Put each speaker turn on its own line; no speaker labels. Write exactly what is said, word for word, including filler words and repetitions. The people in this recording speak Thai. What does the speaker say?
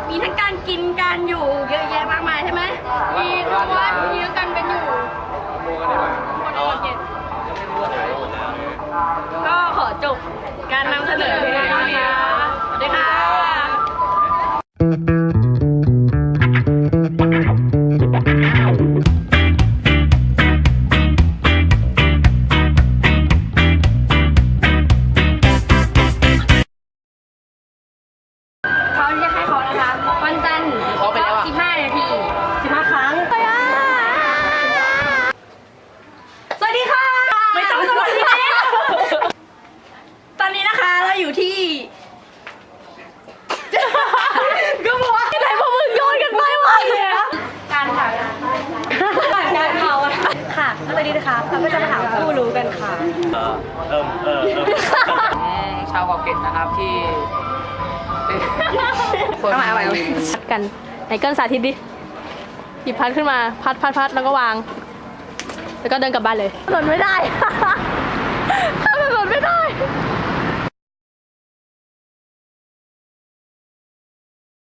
มีทั้งการกินการอยู่เยอะแยะมากมายใช่ไหม
มีทุกวันมีกันเป็นอยู่คนอดเย็น
ก็ขอจบการนำเสนอเพียงเท่านี้นะคะสวัสดีค่ะเขาเรียกให้เขานะคะวันจันทร์สิบห้านาทีสิบห้าครั้งไปอ่ะสวัสดีค่ะไม่ต้องสวัสดีตอนนี้นะคะเราอยู่ที่ก็บอกว่าที่ไหนพวกมึงโยนกันไปวะการค่ะการเผาค่ะแล้วตอนนี้นะคะเราก็จะมาถามผู้รู้กันค่ะ
เออเออเออเออ
ชาวเกาะเกร็ดนะครับที่
เอาใหม่เอาใหม่พัดกันไหนเกินสาธิตดิหยิบพัดขึ้นมาพัดพัดพัดแล้วก็วางแล้วก็เดินกลับบ้านเลยหล่นไม่ได้ ถ้ามันหล่นไม่ได้